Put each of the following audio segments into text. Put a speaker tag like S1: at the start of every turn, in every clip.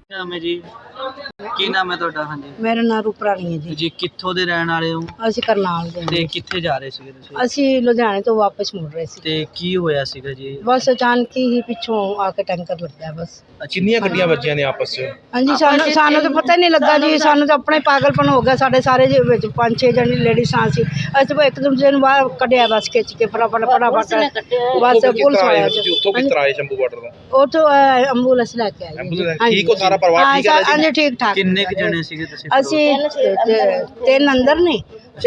S1: ਨਾਮ ਹੈ ਜੀ? ਕੀ ਨਾਮ ਹੈ ਤੁਹਾਡਾ? ਹਾਂਜੀ
S2: ਮੇਰਾ ਨਾਮ ਰੂਪਰਾਣੀ ਹੈ ਜੀ।
S1: ਜੀ ਕਿੱਥੋਂ ਦੇ ਰਹਿਣ ਵਾਲੇ ਹੋ
S2: ਅਸੀਂ ਕਰਨਾਲ ਦੇ
S1: ਤੇ
S2: ਹਾਂ।
S1: ਕਿੱਥੇ ਜਾ ਰਹੇ ਸੀਗੇ ਤੁਸੀਂ?
S2: ਅਸੀਂ ਲੁਧਿਆਣੇ ਤੋਂ ਵਾਪਸ ਮੁੜ ਰਹੇ ਸੀ।
S1: ਤੇ ਕੀ ਹੋਇਆ ਸੀਗਾ ਜੀ?
S2: ਬਸ ਅਚਾਨਕ ਹੀ ਪਿੱਛੋਂ ਆ ਕੇ ਟੈਂਕਰ ਲੱਗਾ ਬਸ।
S3: ਕਿੰਨੀਆਂ ਗੱਡੀਆਂ ਵੱਜੀਆਂ ਨੇ ਆਪਸ 'ਚ?
S2: ਹਾਂਜੀ ਸਾਨੂੰ ਤਾਂ ਪਤਾ ਹੀ ਨਹੀਂ ਲੱਗਾ ਜੀ। ਸਾਨੂੰ ਤਾਂ ਆਪਣਾ ਹੀ ਪਾਗਲਪਨ ਹੋ ਗਿਆ। ਸਾਡੇ ਸਾਰੇ ਦੇ ਵਿੱਚ 5-6 ਜਣੇ ਲੇਡੀਜ਼ ਆ ਸੀ। ਅਸੀਂ ਤਾਂ ਇੱਕ ਦੂਜੇ ਨੂੰ ਬਾਹਰ ਕੱਢਿਆ ਬਸ ਖਿੱਚ ਕੇ ਫਟਾਫਟ ਬਸ ਪੁਲਿਸ ਆਇਆ ਜੀ।
S3: ਉੱਥੋਂ ਕਿਸ ਤਰ੍ਹਾਂ ਆਏ ਸ਼ੰਭੂ ਬਾਰਡਰ ਦਾ?
S2: ਉੱਥੋਂ ਐਂਬੂਲੈਂਸ ਲੈ ਕੇ ਆਏ ਜੀ।
S3: ਠੀਕ ਹੋ? ਸਾਰਾ ਪਰਿਵਾਰ ਠੀਕ ਹੈ?
S2: ਹਾਂਜੀ ਠੀਕ ਠਾਕ।
S1: ਕਿੰਨੇ ਕੁ ਜਣੇ ਸੀਗੇ ਤੁਸੀਂ?
S2: ਅਸੀਂ ਤਿੰਨ ਅੰਦਰ ਨੇ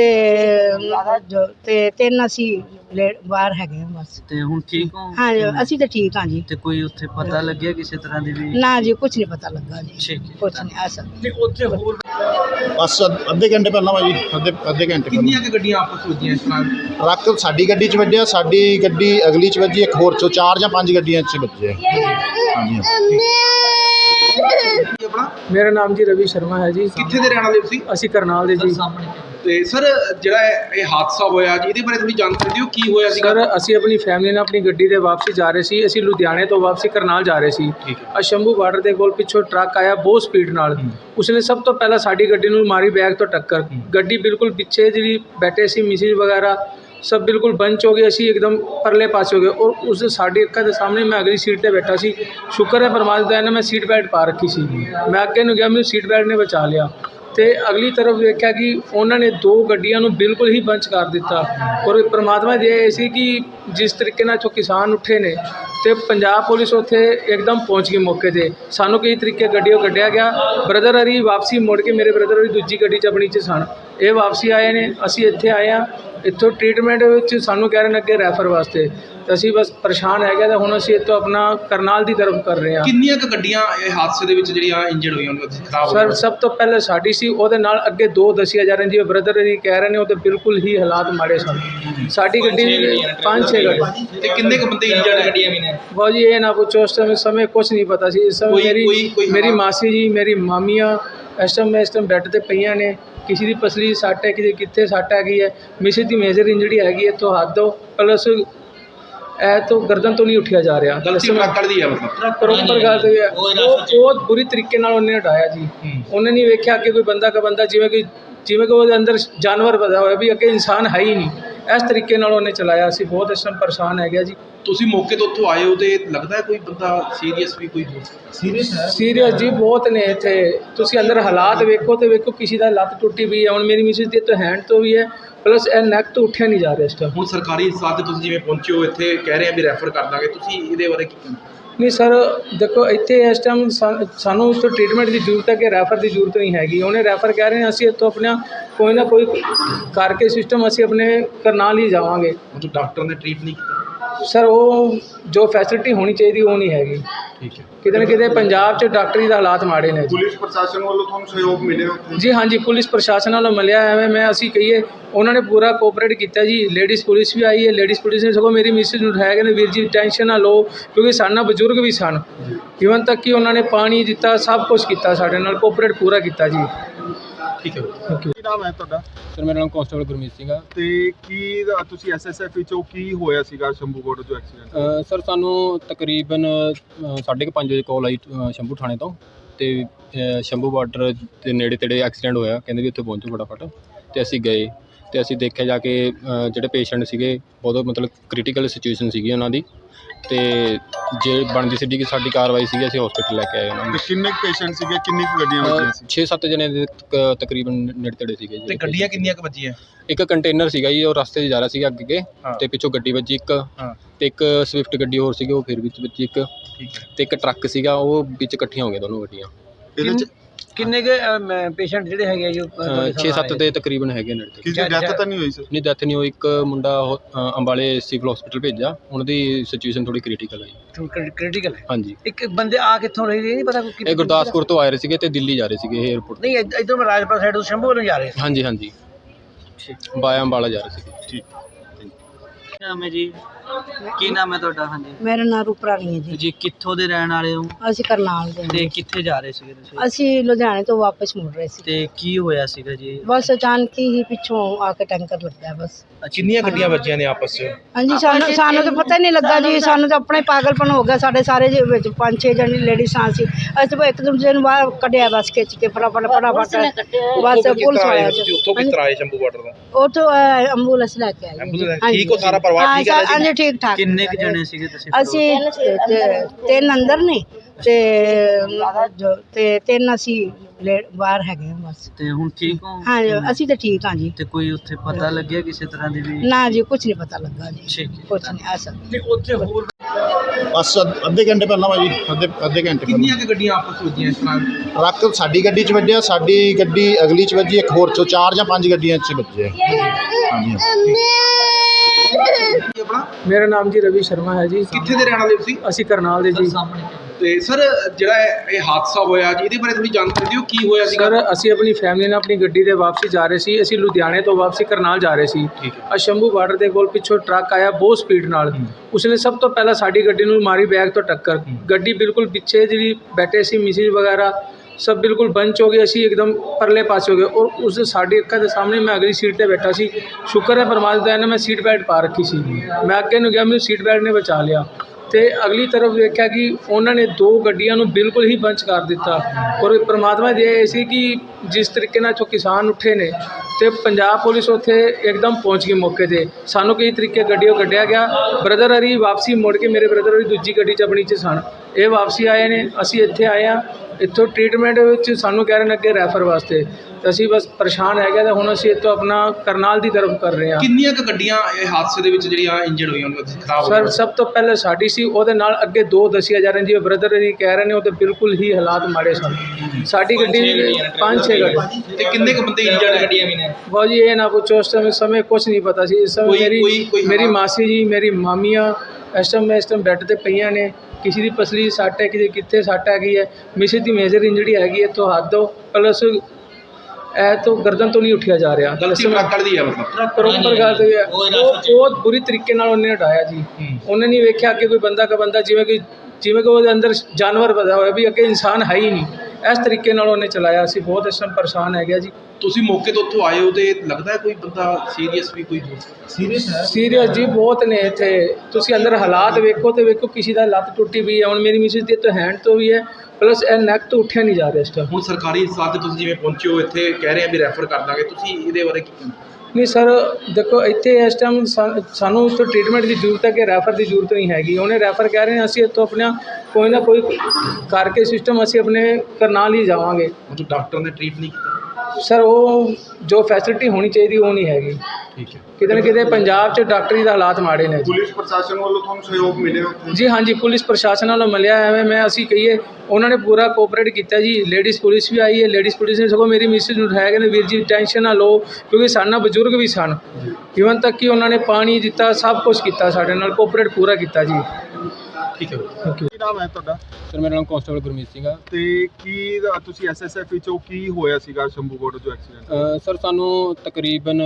S2: ਤੇ ਤਿੰਨ ਅਸੀਂ ਬਾਹਰ ਹੈਗੇ ਹਾਂ ਬਸ।
S1: ਤੇ ਹੁਣ ਠੀਕ ਹੋ?
S2: ਹਾਂ ਅਸੀਂ ਤਾਂ ਠੀਕ ਹਾਂ ਜੀ।
S1: ਤੇ ਕੋਈ ਉੱਥੇ ਪਤਾ ਲੱਗਿਆ ਕਿਸੇ ਤਰ੍ਹਾਂ ਦੀ ਵੀ?
S2: ਨਾ ਜੀ ਕੁਝ ਨਹੀਂ ਪਤਾ ਲੱਗਾ ਜੀ।
S1: ਠੀਕ ਹੈ।
S2: ਕੁਝ ਨਹੀਂ ਐਸਾ।
S1: ਉੱਥੇ ਹੋਰ
S4: ਬਸ ਅੱਧੇ ਘੰਟੇ ਪਹਿਲਾਂ ਭਾਜੀ ਅੱਧੇ ਘੰਟੇ
S3: ਕਿੰਨੀਆਂ ਕੁ ਗੱਡੀਆਂ ਆਪਸ 'ਚ ਵੱਜੀਆਂ ਇਸ ਤਰ੍ਹਾਂ?
S4: ਟਰੱਕ ਸਾਡੀ ਗੱਡੀ 'ਚ ਵੱਜਿਆ, ਸਾਡੀ ਗੱਡੀ ਅਗਲੀ 'ਚ ਵੱਜੀ, ਇੱਕ ਹੋਰ 'ਚੋਂ 4 ਜਾਂ 5 ਗੱਡੀਆਂ 'ਚ ਵੱਜੇ। ਹਾਂਜੀ
S3: ਆਪਣਾ
S5: ਮੇਰਾ ਨਾਮ ਜੀ ਰਵੀ ਸ਼ਰਮਾ ਹੈ ਜੀ।
S3: ਕਿੱਥੇ ਦੇ ਰਹਿਣ ਵਾਲੇ ਤੁਸੀਂ?
S5: ਅਸੀਂ ਕਰਨਾਲ ਦੇ ਜੀ।
S3: ਤੇ ਸਰ ਜਿਹੜਾ ਇਹ ਹਾਦਸਾ ਹੋਇਆ ਜੀ, ਇਹਦੇ ਬਾਰੇ ਥੋੜੀ ਜਾਣਕਾਰੀ ਦਿਓ, ਕੀ ਹੋਇਆ ਸੀਗਾ?
S5: ਸਰ ਅਸੀਂ ਆਪਣੀ ਫੈਮਿਲੀ ਨਾਲ ਆਪਣੀ ਗੱਡੀ ਦੇ ਵਾਪਸੀ ਜਾ ਰਹੇ ਸੀ। ਅਸੀਂ ਲੁਧਿਆਣੇ ਤੋਂ ਵਾਪਸੀ ਕਰਨਾਲ ਜਾ ਰਹੇ ਸੀ। ਸ਼ੰਭੂ ਬਾਰਡਰ ਦੇ ਕੋਲ ਪਿੱਛੋਂ ਟਰੱਕ ਆਇਆ ਬਹੁਤ ਸਪੀਡ ਨਾਲ। ਉਸਨੇ ਸਭ ਤੋਂ ਪਹਿਲਾਂ ਸਾਡੀ ਗੱਡੀ ਨੂੰ ਮਾਰੀ ਬੈਕ ਤੋਂ ਟੱਕਰ। ਗੱਡੀ ਬਿਲਕੁਲ ਪਿੱਛੇ ਜਿਹੜੀ ਬੈਠੇ ਸੀ ਮਿਸਿਜ ਵਗੈਰਾ सब बिल्कुल बंच हो गए। असी एकदम परले पास हो गए और उस साड़ी अक्खा के सामने मैं अगली सीट पर बैठा सी। शुक्र है परमात्मा ने मैं सीट बेल्ट पा रखी सी। मैं अगे ਨੂੰ ਗਿਆ, ਮੈਨੂੰ सीट बेल्ट ने बचा लिया। तो अगली तरफ देखा कि उन्होंने 2 ਗੱਡੀਆਂ ਨੂੰ बिल्कुल ही बंच कर दिता। और परमात्मा ਦੀ ਇਹ ਸੀ कि जिस तरीके ਨਾਲ जो किसान उठे ने तो पंजाब पुलिस उत्थे एकदम पहुँच गई मौके पर। सानू कई तरीके गड्डियों कढ़िया गया। ब्रदर हरी वापसी मुड़ के मेरे ब्रदर हरी दूजी गड्डी च अपनी च सन। ये वापसी आए ने, असी इत्थे आए हाँ। इत्थों ट्रीटमेंट सानू कह रहे हैं अगे रैफर वास्ते। तो असी बस परेशान है तो हुण असी इत्थों अपना करनाल की तरफ कर रहे हैं।
S3: किन्नियां क गड्डियां इह हादसे दे विच जिहड़ियां इंजर्ड होईयां खराब?
S5: सर सब तो पहले साडी सी, उहदे नाल अगे 2 दसिया जा रहे जी। ब्रदर जी कह रहे हैं वो तो बिल्कुल ही हालात माड़े सन। साडी गड्डी 5-6 गड्डी
S3: ते किन्ने क बंदे इंजर्ड गड्डियां भी ने?
S5: बहुत जी ये ना पूछो, उस समय कुछ नहीं पता सी। इस समय मेरी मासी जी मेरी मामियाँ इस टाइम बैड ते पईयां ने। किसी की पसली सੱਟ है, किसी कितने सੱਟ हैगी है। मिसिज की मेजर इंजरी हैगी है। तो हाथ दो प्लस ए तो गर्दन तो नहीं उठिया जा रहा।
S3: गलती ट्रक दी है मतलब
S5: प्रॉपर गल है। बहुत बुरी तरीके नाल उन्हें हटाया जी। उन्हें नहीं वेख्या कि कोई बंदा का बंदा जिवें कि वो अंदर जानवर पता हो भी अगे इंसान है ही नहीं। इस तरीके नाल उन्हें चलाया। असी बहुत इस टाइम परेशान है जी।
S3: ਤੁਸੀਂ मौके तो उत्थों आए हो तो लगता है कोई बंदा सीरीयस भी कोई सीरीयस है?
S5: सीरीयस जी बहुत ने इत्थे। तुसीं अंदर हालात वेखो तो वेखो किसी का लत्त टुटी भी है। हुण मेरी मिसिज दी तो हैंड तो भी है प्लस ए नैक तो उठिया नहीं जा रहा इस टाइम।
S3: ਹੁਣ ਸਰਕਾਰੀ ਹਸਪਤਾਲ ਤੇ ਤੁਸੀਂ ਜਿਵੇਂ ਪਹੁੰਚੇ ਹੋ, ਇੱਥੇ ਕਹਿ ਰਹੇ ਆ ਵੀ ਰੈਫਰ ਕਰ ਦਾਂਗੇ, ਤੁਸੀਂ ਇਹਦੇ ਬਾਰੇ ਕੀ ਕਹਿੰਦੇ?
S5: नहीं सर देखो इत्थे इस टाइम सानू इत्थों ट्रीटमेंट की जरूरत है कि रैफर की जरूरत नहीं हैगी। उन्हें रैफर कह रहे हैं असीं इत्थों अपना कोई ना कोई करके सिस्टम असीं अपने करनाल ही जावांगे।
S3: मतलब डॉक्टर ने ट्रीट नहीं किया?
S5: सर वो जो फैसिलिटी होनी चाहिए वो नहीं हैगी।
S3: ठीक है।
S5: किते ना किते पंजाब च डॉक्टरी के हालात माड़े ने।
S4: ਪੁਲਿਸ ਪ੍ਰਸ਼ਾਸਨ ਵੱਲੋਂ ਤੁਹਾਨੂੰ ਸਹਿਯੋਗ ਮਿਲਿਆ?
S5: जी हाँ जी पुलिस प्रशासन वालों मिलिया है। मैं असी कहीए उन्होंने पूरा कोऑपरेट किया जी। लेडीज़ पुलिस भी आई है। लेडीज़ पुलिस ने सगों मेरी मिसिज नूं उठाया कि वीर जी टेंशन ना लो क्योंकि साडे नाल बजुर्ग भी सन। इवन तक कि उन्होंने पानी दिता सब कुछ किया साडे नाल कोऑपरेट पूरा किया जी।
S3: ठीक है।
S4: ਕੀ ਨਾਮ ਹੈ ਤੁਹਾਡਾ?
S6: ਸਰ ਮੇਰਾ ਨਾਮ ਕਾਂਸਟੇਬਲ ਗੁਰਮੀਤ ਸਿੰਘ ਆ।
S4: ਤੇ ਕੀ ਤੁਸੀਂ ਐਸਐਸਐਫ ਵਿੱਚੋਂ ਕੀ ਹੋਇਆ ਸੀਗਾ ਸ਼ੰਭੂ ਬਾਰਡਰ ਜੋ ਐਕਸੀਡੈਂਟ?
S6: ਸਰ ਸਾਨੂੰ ਤਕਰੀਬਨ 5:30 ਵਜੇ ਕਾਲ ਆਈ ਸ਼ੰਭੂ ਥਾਣੇ ਤੋਂ ਤੇ ਸ਼ੰਭੂ ਬਾਰਡਰ ਦੇ ਨੇੜੇ ਤੇੜੇ ਐਕਸੀਡੈਂਟ ਹੋਇਆ। ਕਹਿੰਦੇ ਵੀ ਉੱਥੇ ਪਹੁੰਚੋ ਫਟਾਫਟ। ਤੇ ਅਸੀਂ ਗਏ ਤੇ ਅਸੀਂ ਦੇਖਿਆ ਜਾ ਕੇ ਜਿਹੜੇ ਪੇਸ਼ੈਂਟ ਸੀਗੇ ਬਹੁਤ ਮਤਲਬ ਕ੍ਰਿਟੀਕਲ ਸਿਚੁਏਸ਼ਨ ਸੀਗੀ ਉਹਨਾਂ ਦੀ। ਤੇ ਜੇ ਬਣਦੀ ਸੀ ਕਿ ਸਾਡੀ ਕਾਰਵਾਈ ਸੀਗੀ ਅਸੀਂ ਹਸਪੀਟਲ ਲੈ ਕੇ ਆਏ ਉਹਨਾਂ ਨੂੰ।
S4: ਕਿੰਨੇ ਪੇਸ਼ੈਂਟ ਸੀਗੇ, ਕਿੰਨੀ ਕੁ ਗੱਡੀਆਂ ਵੱਜੀਆਂ ਸੀ?
S6: 6-7 ਜਣੇ ਦੇ ਤਕਰੀਬਨ ਨੇੜੇ ਤੇੜੇ ਸੀਗੇ ਜੀ।
S3: ਤੇ ਗੱਡੀਆਂ ਕਿੰਨੀਆਂ ਕੁ ਵੱਜੀਆਂ?
S6: ਇੱਕ ਕੰਟੇਨਰ ਸੀਗਾ ਜੀ ਉਹ ਰਸਤੇ 'ਚ ਜਾ ਰਿਹਾ ਸੀਗਾ ਅੱਗੇ ਤੇ ਪਿੱਛੋਂ ਗੱਡੀ ਵੱਜੀ ਇੱਕ। ਤੇ ਇੱਕ ਸਵਿਫਟ ਗੱਡੀ ਹੋਰ ਸੀਗੀ ਉਹ ਫਿਰ ਵਿੱਚ ਵੱਜੀ ਇੱਕ। ਤੇ ਇੱਕ ਟਰੱਕ ਸੀਗਾ ਉਹ ਵਿੱਚ ਇਕੱਠੀਆਂ ਹੋ ਗਈਆਂ ਦੋਨੋਂ ਗੱਡੀਆਂ।
S4: ਇਹਦੇ ਚ
S5: किन्ने के पेशेंट जिहड़े हैगे जो
S6: 6-7 ਦੇ ਤਕਰੀਬਨ ਹੈਗੇ ਨੇ।
S4: ਕਿਸੇ ਦੀ ਡੈਥ ਤਾਂ ਨਹੀਂ ਹੋਈ ਸਰ?
S6: ਨਹੀਂ ਡੈਥ ਨਹੀਂ ਹੋਈ। ਇੱਕ ਮੁੰਡਾ ਅੰਬਾਲੇ ਸਿਵਲ ਹਸਪੀਟਲ ਭੇਜਿਆ। ਉਹਨਾਂ ਦੀ ਸਿਚੁਏਸ਼ਨ ਥੋੜੀ ਕ੍ਰਿਟੀਕਲ ਹੈ।
S5: क्रिटिकल है।
S6: ਹਾਂਜੀ
S5: एक बंदे आ कित्थों रही नहीं पता
S6: ਇਹ ਗੁਰਦਾਸਪੁਰ ਤੋਂ ਆ ਰਹੇ ਸੀਗੇ ਤੇ ਦਿੱਲੀ ਜਾ ਰਹੇ ਸੀਗੇ 에ਅਰਪੋਰਟ।
S5: नहीं इधर राजपाल साइड तो शंभू वालों जा रहे हैं।
S6: ਹਾਂਜੀ ਹਾਂਜੀ ਬਾਇਆ ਅੰਬਾਲਾ ਜਾ ਰਹੇ ਸੀਗੇ।
S4: ਠੀਕ।
S1: ਨਾਮ ਹੈ ਜੀ? ਕੀ ਨਾਮ ਹੈ ਤੁਹਾਡਾ? ਹਾਂਜੀ
S2: ਮੇਰਾ ਨਾਂ ਰੂਪਰਾਣੀ ਹੈ ਜੀ।
S1: ਜੀ, ਕਿੱਥੋਂ ਦੇ ਰਹਿਣ ਵਾਲੇ ਹੋ
S2: ਅਸੀਂ ਕਰਨਾਲ ਦੇ ਹਾਂ।
S1: ਤੇ ਕਿੱਥੇ ਜਾ ਰਹੇ ਸੀਗੇ ਤੁਸੀਂ?
S2: ਅਸੀਂ ਲੁਧਿਆਣੇ ਤੋਂ ਵਾਪਸ ਮੁੜ ਰਹੇ ਸੀ।
S1: ਤੇ ਕੀ ਹੋਇਆ ਸੀਗਾ ਜੀ?
S2: ਬਸ ਅਚਾਨਕ ਹੀ ਪਿੱਛੋਂ ਆ ਕੇ ਟੈਂਕਰ ਲੱਗਾ ਬਸ।
S3: ਕਿੰਨੀਆਂ ਗੱਡੀਆਂ ਵੱਜੀਆਂ ਨੇ ਆਪਸ 'ਚ?
S2: ਹਾਂਜੀ, ਸਾਨੂੰ ਤਾਂ ਪਤਾ ਹੀ ਨਹੀਂ ਲੱਗਾ ਜੀ। ਸਾਨੂੰ ਤਾਂ ਆਪਣਾ ਹੀ ਪਾਗਲਪਨ ਹੋ ਗਿਆ। ਸਾਡੇ ਸਾਰੇ ਦੇ ਵਿੱਚ 5-6 ਜਣੇ ਲੇਡੀਜ਼ ਨਾਲ ਸੀ। ਅਸੀਂ ਤਾਂ ਇੱਕ ਦੂਜੇ ਨੂੰ ਬਾਹਰ ਕੱਢਿਆ ਬਸ ਖਿੱਚ ਕੇ ਫਟਾਫਟ ਬਸ ਪੁਲਿਸ ਆਇਆ ਜੀ।
S3: ਉੱਥੋਂ ਕਿਸ ਤਰ੍ਹਾਂ ਆਏ ਸ਼ੰਭੂ ਬਾਰਡਰ ਦਾ?
S2: ਉਹ ਤੋਂ ਐਂਬੂਲੈਂਸ ਲੈ ਕੇ ਆਏ ਜੀ।
S3: ਠੀਕ ਹੋ ਸਾਰਾ ਪਰਿਵਾਰ ਠੀਕ ਹੈ ਜੀ?
S2: ਹਾਂਜੀ ਠੀਕ ਠਾਕ।
S1: ਕਿੰਨੇ ਕੁ ਜਣੇ ਸੀਗੇ ਤੁਸੀਂ?
S2: ਅਸੀਂ ਤਿੰਨ ਅੰਦਰ ਨੇ ਤੇ ਤਿੰਨ ਅਸੀਂ ਬਾਹਰ ਹੈਗੇ ਹਾਂ ਬਸ।
S1: ਤੇ ਹੁਣ ਠੀਕ ਹੋ?
S2: ਹਾਂ ਅਸੀਂ ਤਾਂ ਠੀਕ ਹਾਂ ਜੀ।
S1: ਤੇ ਕੋਈ ਉੱਥੇ ਪਤਾ ਲੱਗਿਆ ਕਿਸੇ ਤਰ੍ਹਾਂ ਦੀ ਵੀ?
S2: ਨਾ ਜੀ ਕੁਝ ਨਹੀਂ ਪਤਾ ਲੱਗਾ ਜੀ।
S1: ਠੀਕ ਹੈ।
S2: ਕੁਝ ਨਹੀਂ ਐਸਾ।
S1: ਤੇ ਉੱਥੇ ਹੋਰ
S4: ਬਸ ਅੱਧੇ ਘੰਟੇ ਪਹਿਲਾਂ ਭਾਜੀ, ਅੱਧੇ ਘੰਟੇ
S3: ਕਿੰਨੀਆਂ
S4: ਪਹਿਲਾਂ
S3: ਕੁ ਗੱਡੀਆਂ ਆਪਸ 'ਚ ਵੱਜੀਆਂ ਇਸ ਤਰ੍ਹਾਂ?
S4: ਟਰੱਕ ਸਾਡੀ ਗੱਡੀ 'ਚ ਵੱਜਿਆ, ਸਾਡੀ ਗੱਡੀ ਅਗਲੀ 'ਚ ਵੱਜੀ, ਇੱਕ ਹੋਰ 'ਚੋਂ 4 ਜਾਂ 5 ਗੱਡੀਆਂ 'ਚ ਵੱਜੇ। ਹਾਂਜੀ
S3: ਆਪਣਾ
S5: ਮੇਰਾ ਨਾਮ ਜੀ ਰਵੀ ਸ਼ਰਮਾ ਹੈ ਜੀ।
S3: ਕਿੱਥੇ ਦੇ ਰਹਿਣ ਵਾਲੇ ਤੁਸੀਂ?
S5: ਅਸੀਂ ਕਰਨਾਲ ਦੇ ਜੀ।
S1: ਸਾਹਮਣੇ
S3: ਤੇ ਸਰ ਜਿਹੜਾ ਇਹ ਹਾਦਸਾ ਹੋਇਆ ਜੀ, ਇਹਦੇ ਬਾਰੇ ਥੋੜੀ ਜਾਣਕਾਰੀ ਦਿਓ, ਕੀ ਹੋਇਆ ਸੀਗਾ?
S5: ਸਰ ਅਸੀਂ ਆਪਣੀ ਫੈਮਿਲੀ ਨਾਲ ਆਪਣੀ ਗੱਡੀ ਦੇ ਵਾਪਸੀ ਜਾ ਰਹੇ ਸੀ। ਅਸੀਂ ਲੁਧਿਆਣੇ ਤੋਂ ਵਾਪਸੀ ਕਰਨਾਲ ਜਾ ਰਹੇ ਸੀ।
S3: ਠੀਕ ਹੈ।
S5: ਸ਼ੰਭੂ ਬਾਰਡਰ ਦੇ ਕੋਲ ਪਿੱਛੋਂ ਟਰੱਕ ਆਇਆ ਬਹੁਤ ਸਪੀਡ ਨਾਲ। ਉਸਨੇ ਸਭ ਤੋਂ ਪਹਿਲਾਂ ਸਾਡੀ ਗੱਡੀ ਨੂੰ ਮਾਰੀ ਬੈਕ ਤੋਂ ਟੱਕਰ। ਗੱਡੀ ਬਿਲਕੁਲ ਪਿੱਛੇ ਜਿਹੜੀ ਬੈਠੇ ਸੀ ਮਿਸਿਸ ਵਗੈਰਾ ਸਭ ਬਿਲਕੁਲ ਬੰਚ ਹੋ ਗਏ। ਅਸੀਂ ਇੱਕਦਮ ਪਰਲੇ ਪਾਸੇ ਹੋ ਗਏ ਔਰ ਉਸ ਸਾਡੀ ਅੱਖਾਂ ਦੇ ਸਾਹਮਣੇ ਮੈਂ ਅਗਲੀ ਸੀਟ ਤੇ ਬੈਠਾ ਸੀ। ਸ਼ੁਕਰ ਹੈ ਪਰਮਾਤਮਾ ਦਾ, ਮੈਂ ਸੀਟ ਬੈਲਟ ਪਾ ਰੱਖੀ ਸੀ। ਮੈਂ ਅੱਗੇ ਨੂੰ ਗਿਆ, ਮੈਨੂੰ ਸੀਟ ਬੈਲਟ ਨੇ ਬਚਾ ਲਿਆ। ਤੇ ਅਗਲੀ ਤਰਫ ਵੇਖਿਆ ਕਿ ਉਹਨਾਂ ਨੇ 2 ਗੱਡੀਆਂ ਨੂੰ ਬਿਲਕੁਲ ਹੀ ਬੰਚ ਕਰ ਦਿੱਤਾ। ਔਰ ਪਰਮਾਤਮਾ ਦੀ ਇਹ ਸੀ ਕਿ ਜਿਸ ਤਰੀਕੇ ਨਾਲ ਜੋ ਕਿਸਾਨ ਉੱਠੇ ਨੇ ਤੇ ਪੰਜਾਬ ਪੁਲਿਸ ਉੱਥੇ ਇੱਕਦਮ ਪਹੁੰਚ ਗਈ ਮੌਕੇ 'ਤੇ। ਸਾਨੂੰ ਕਈ ਤਰੀਕੇ ਗੱਡੀਆਂ ਕੱਢਿਆ ਗਿਆ। ਬ੍ਰਦਰ ਹਰੀ ਵਾਪਸੀ ਮੁੜ ਕੇ ਮੇਰੇ ਬ੍ਰਦਰ ਹਰੀ ਦੂਜੀ ਗੱਡੀ 'ਚ ਆਪਣੀ 'ਚ ਸਨ। ਇਹ ਵਾਪਸੀ ਆਏ ਨੇ, ਅਸੀਂ ਇੱਥੇ ਆਏ ਹਾਂ। ਇੱਥੋਂ ਟ੍ਰੀਟਮੈਂਟ ਵਿੱਚ ਸਾਨੂੰ ਕਹਿ ਰਹੇ ਨੇ ਅੱਗੇ ਰੈਫਰ ਵਾਸਤੇ। ਤੇ ਅਸੀਂ ਬਸ ਪਰੇਸ਼ਾਨ ਹੈਗੇ ਤਾਂ ਹੁਣ ਅਸੀਂ ਇੱਥੋਂ ਆਪਣਾ ਕਰਨਾਲ ਦੀ ਤਰਫ ਕਰ ਰਹੇ ਹਾਂ।
S3: ਕਿੰਨੀਆਂ ਕੁ ਗੱਡੀਆਂ ਇਹ ਹਾਦਸੇ ਦੇ ਵਿੱਚ ਜਿਹੜੀਆਂ ਇੰਜਰਡ ਹੋਈਆਂ ਉਹਨਾਂ ਦਾ ਖਰਾਬ
S5: ਸਰ ਸਭ ਤੋਂ ਪਹਿਲੇ ਸਾਡੀ ਸੀ, ਉਹਦੇ ਨਾਲ ਅੱਗੇ 2 ਦੱਸੀਆਂ ਜਾ ਰਹੀਆਂ। ਜਿਵੇਂ ਬ੍ਰਦਰ ਜੀ ਕਹਿ ਰਹੇ ਨੇ ਉਹ ਤੇ ਬਿਲਕੁਲ ਹੀ ਹਾਲਾਤ ਮਾੜੇ ਸਨ। ਸਾਡੀ ਗੱਡੀ 5-6 ਗੱਡੀ।
S3: ਤੇ ਕਿੰਨੇ ਕੁ ਬੰਦੇ ਇੰਜਰਡ ਗੱਡੀਆਂ ਵੀ ਨੇ?
S5: ਬਹੁਤ ਜੀ ਇਹ ਨਾ ਪੁੱਛੋ, ਉਸ ਸਮੇਂ ਕੁਝ ਨਹੀਂ ਪਤਾ ਸੀ। ਇਸ ਸਮੇਂ ਮੇਰੀ ਮਾਸੀ ਜੀ, ਮੇਰੀ ਮਾਮੀਆਂ ਇਸ ਟਾਈਮ ਬੈੱਡ ਤੇ ਪਈਆਂ ਨੇ। ਕਿਸੇ ਦੀ ਪਸਲੀ ਸੱਟ ਹੈ, ਕਿਸੇ ਕਿੱਥੇ ਸੱਟ ਹੈਗੀ ਹੈ। ਮਿਸਿਸ ਦੀ ਮੇਜਰ ਇੰਜਰੀ ਹੈਗੀ ਹੈ ਤੋਂ ਹੱਥ ਤੋਂ ਪਲਸ ਇਹ ਤੋਂ ਗਰਦਨ ਤੋਂ ਨਹੀਂ ਉੱਠਿਆ ਜਾ ਰਿਹਾ।
S3: ਗਲਤੀ ਟਰੱਕ ਵਾਲੀ ਹੈ ਮਤਲਬ?
S5: ਪ੍ਰੋਪਰ ਗੱਲ ਤੇ ਉਹ ਬਹੁਤ ਬੁਰੀ ਤਰੀਕੇ ਨਾਲ ਉਹਨੇ ਹਟਾਇਆ ਜੀ। ਉਹਨੇ ਨਹੀਂ ਵੇਖਿਆ ਕਿ ਕੋਈ ਬੰਦਾ ਜਿਵੇਂ ਕਿ ਉਹਦੇ ਅੰਦਰ ਜਾਨਵਰ ਪੈਦਾ ਹੋਇਆ ਵੀ ਅੱਗੇ ਇਨਸਾਨ ਹੈ ਹੀ ਨਹੀਂ। ਇਸ ਤਰੀਕੇ ਨਾਲ ਉਹਨੇ ਚਲਾਇਆ। ਅਸੀਂ ਬਹੁਤ ਇਸ ਟਾਈਮ ਪਰੇਸ਼ਾਨ ਹੈਗੇ ਜੀ।
S3: ਤੁਸੀਂ ਮੌਕੇ ਤੋਂ ਉੱਥੋਂ ਆਏ ਹੋ ਤੇ ਲੱਗਦਾ ਕੋਈ ਬੰਦਾ ਸੀਰੀਅਸ ਵੀ ਕੋਈ ਹੋ ਸਕਦਾ?
S5: ਸੀਰੀਅਸ ਜੀ ਬਹੁਤ ਨੇ ਇੱਥੇ। ਤੁਸੀਂ ਅੰਦਰ ਹਾਲਾਤ ਵੇਖੋ ਤੇ ਵੇਖੋ ਕਿਸੇ ਦਾ ਲੱਤ ਟੁੱਟੀ ਵੀ ਹੈ। ਹੁਣ ਮੇਰੀ ਮਿਸਿਸ ਦੀ ਤਾਂ ਹੈਂਡ ਤੋਂ ਵੀ ਹੈ, ਪਲਸ ਇਹ ਨੈਕ ਤੋਂ ਉੱਠਿਆ ਨਹੀਂ ਜਾ ਰਿਹਾ ਇਸ ਟਾਈਮ।
S3: ਹੁਣ ਸਰਕਾਰੀ ਹਸਪਤਾਲ 'ਤੇ ਤੁਸੀਂ ਜਿਵੇਂ ਪਹੁੰਚੇ ਹੋ, ਇੱਥੇ ਕਹਿ ਰਹੇ ਆ ਵੀ ਰੈਫਰ ਕਰ ਦਾਂਗੇ, ਤੁਸੀਂ ਇਹਦੇ ਬਾਰੇ ਕੀ ਕਹਿੰਦੇ?
S5: ਨਹੀਂ ਸਰ ਦੇਖੋ ਇੱਥੇ ਇਸ ਟਾਈਮ ਸਾਨੂੰ ਉੱਥੇ ਟ੍ਰੀਟਮੈਂਟ ਦੀ ਜ਼ਰੂਰਤ ਹੈ ਕਿ ਰੈਫਰ ਦੀ ਜ਼ਰੂਰਤ ਨਹੀਂ ਹੈਗੀ। ਉਹਨੇ ਰੈਫਰ ਕਹਿ ਰਹੇ ਨੇ, ਅਸੀਂ ਇੱਥੋਂ ਆਪਣਾ ਕੋਈ ਨਾ ਕੋਈ ਕਰਕੇ ਸਿਸਟਮ ਅਸੀਂ ਆਪਣੇ ਕਰਨਾਲ ਹੀ ਜਾਵਾਂਗੇ।
S3: ਉਹ ਡਾਕਟਰ ਨੇ ਟ੍ਰੀਟ ਨਹੀਂ ਕੀਤਾ?
S5: ਸਰ ਉਹ ਜੋ ਫੈਸਿਲਿਟੀ ਹੋਣੀ ਚਾਹੀਦੀ ਉਹ ਨਹੀਂ ਹੈਗੀ।
S3: ਠੀਕ ਹੈ।
S5: ਕਿਤੇ ਨਾ ਕਿਤੇ ਪੰਜਾਬ 'ਚ ਡਾਕਟਰੀ ਦਾ ਹਾਲਾਤ ਮਾੜੇ ਨੇ।
S4: ਪੁਲਿਸ ਪ੍ਰਸ਼ਾਸਨ ਵੱਲੋਂ ਤੁਹਾਨੂੰ ਸਹਿਯੋਗ ਮਿਲਿਆ?
S5: ਜੀ ਹਾਂਜੀ, ਪੁਲਿਸ ਪ੍ਰਸ਼ਾਸਨ ਵੱਲੋਂ ਮਿਲਿਆ ਐਵੇਂ ਅਸੀਂ ਕਹੀਏ ਉਹਨਾਂ ਨੇ ਪੂਰਾ ਕੋਆਪਰੇਟ ਕੀਤਾ ਜੀ। ਲੇਡੀਜ਼ ਪੁਲਿਸ ਵੀ ਆਈ ਹੈ। ਲੇਡੀਜ਼ ਪੁਲਿਸ ਨੇ ਸਗੋਂ ਮੇਰੀ ਮਿਸਿਸ ਨੂੰ ਉਠਾਇਆ, ਕਹਿੰਦੇ ਵੀਰ ਜੀ ਟੈਨਸ਼ਨ ਨਾ ਲਓ, ਕਿਉਂਕਿ ਸਾਡੇ ਨਾਲ ਬਜ਼ੁਰਗ ਵੀ ਸਨ। ਇਵਨ ਤੱਕ ਕਿ ਉਹਨਾਂ ਨੇ ਪਾਣੀ ਦਿੱਤਾ, ਸਭ ਕੁਝ ਕੀਤਾ, ਸਾਡੇ ਨਾਲ ਕੋਆਪਰੇਟ ਪੂਰਾ ਕੀਤਾ ਜੀ।
S3: ਠੀਕ ਹੈ।
S5: Thank you.
S7: ਕੀ ਨਾਮ ਹੈ ਤੁਹਾਡਾ?
S6: ਸਰ ਮੇਰਾ ਨਾਮ ਕਾਂਸਟੇਬਲ ਗੁਰਮੀਤ ਸਿੰਘ ਆ।
S7: ਤੇ ਕੀ ਤੁਸੀਂ ਐਸਐਸਐਫ ਵਿੱਚੋਂ ਕੀ ਹੋਇਆ ਸੀਗਾ ਸ਼ੰਭੂ ਬਾਰਡਰ ਜੋ ਐਕਸੀਡੈਂਟ?
S6: ਸਰ ਸਾਨੂੰ ਤਕਰੀਬਨ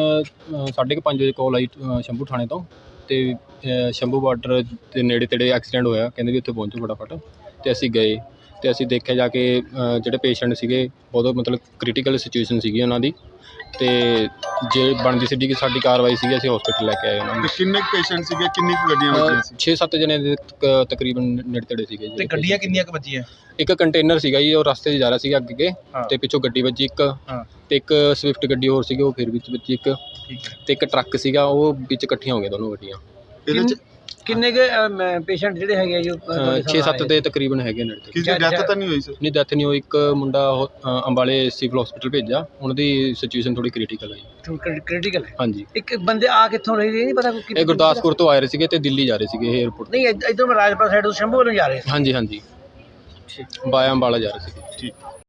S6: 5:30 ਵਜੇ ਕਾਲ ਆਈ ਸ਼ੰਭੂ ਥਾਣੇ ਤੋਂ ਤੇ ਸ਼ੰਭੂ ਬਾਰਡਰ ਦੇ ਨੇੜੇ ਤੇੜੇ ਐਕਸੀਡੈਂਟ ਹੋਇਆ। ਕਹਿੰਦੇ ਵੀ ਉੱਥੇ ਪਹੁੰਚੋ ਫਟਾਫਟ। ਤੇ ਅਸੀਂ ਗਏ ਤੇ ਅਸੀਂ ਦੇਖਿਆ ਜਾ ਕੇ ਜਿਹੜੇ ਪੇਸ਼ੈਂਟ ਸੀਗੇ ਬਹੁਤ ਮਤਲਬ ਕ੍ਰਿਟੀਕਲ ਸਿਚੁਏਸ਼ਨ ਸੀਗੀ ਉਹਨਾਂ ਦੀ। ਤੇ ਜੇ ਬਣਦੀ ਸੀ ਕਿ ਸਾਡੀ ਕਾਰਵਾਈ ਸੀਗੀ, ਅਸੀਂ ਹਸਪੀਟਲ ਲੈ ਕੇ ਆਏ ਉਹਨਾਂ ਨੂੰ।
S7: ਤੇ ਕਿੰਨੇ ਪੇਸ਼ੈਂਟ ਸੀਗੇ, ਕਿੰਨੀ ਕੁ ਗੱਡੀਆਂ ਵੱਜੀਆਂ ਸੀ?
S6: 6-7 ਜਣੇ ਦੇ ਤਕਰੀਬਨ ਨੇੜੇ ਤੇੜੇ ਸੀਗੇ ਜੀ।
S3: ਤੇ ਗੱਡੀਆਂ ਕਿੰਨੀਆਂ ਕੁ ਵੱਜੀਆਂ?
S6: ਇੱਕ ਕੰਟੇਨਰ ਸੀਗਾ ਜੀ, ਉਹ ਰਸਤੇ 'ਚ ਜਾ ਰਿਹਾ ਸੀਗਾ ਅੱਗੇ ਤੇ ਪਿੱਛੋਂ ਗੱਡੀ ਵੱਜੀ ਇੱਕ। ਤੇ ਇੱਕ ਸਵਿਫਟ ਗੱਡੀ ਹੋਰ ਸੀਗੀ, ਉਹ ਫਿਰ ਵਿੱਚ ਵੱਜੀ ਇੱਕ।
S3: ਠੀਕ ਹੈ।
S6: ਤੇ ਇੱਕ ਟਰੱਕ ਸੀਗਾ, ਉਹ ਵਿੱਚ ਇਕੱਠੀਆਂ ਹੋ ਗਈਆਂ ਦੋਨੋਂ ਗੱਡੀਆਂ।
S7: ਇਹਦੇ ਚ
S1: ਕਿੰਨੇ ਕੁ ਪੇਸ਼ੈਂਟ ਜਿਹੜੇ ਹੈਗੇ ਜੋ
S6: 6-7 ਦੇ ਤਕਰੀਬਨ ਹੈਗੇ ਨੇੜੇ ਤੇ।
S7: ਕਿਸੇ ਦੀ ਡੈਥ ਤਾਂ ਨਹੀਂ ਹੋਈ ਸਰ?
S6: ਨਹੀਂ ਡੈਥ ਨਹੀਂ ਹੋਈ। ਇੱਕ ਮੁੰਡਾ ਅੰਬਾਲੇ ਸਿਵਲ ਹਸਪੀਟਲ ਭੇਜਿਆ, ਉਹਨਾਂ ਦੀ ਸਿਚੁਏਸ਼ਨ ਥੋੜੀ ਕ੍ਰਿਟੀਕਲ ਹੈ ਜੀ।
S1: ਕ੍ਰਿਟੀਕਲ ਹੈ?
S6: ਹਾਂਜੀ।
S1: ਇੱਕ ਬੰਦੇ ਆ ਕਿੱਥੋਂ ਰਹੇ ਨਹੀਂ ਪਤਾ?
S6: ਇਹ ਗੁਰਦਾਸਪੁਰ ਤੋਂ ਆ ਰਹੇ ਸੀਗੇ ਤੇ ਦਿੱਲੀ ਜਾ ਰਹੇ ਸੀਗੇ ਇਹ ਏਅਰਪੋਰਟ।
S1: ਨਹੀਂ ਇੱਧਰੋਂ ਰਾਜਪੁਰਾ ਸਾਈਡ ਤੋਂ ਸ਼ੰਭੂ ਵੱਲੋਂ ਜਾ ਰਹੇ ਸੀ।
S6: ਹਾਂਜੀ ਬਾਇਆ ਅੰਬਾਲਾ ਜਾ ਰਹੇ ਸੀਗੇ।
S7: ਠੀਕ।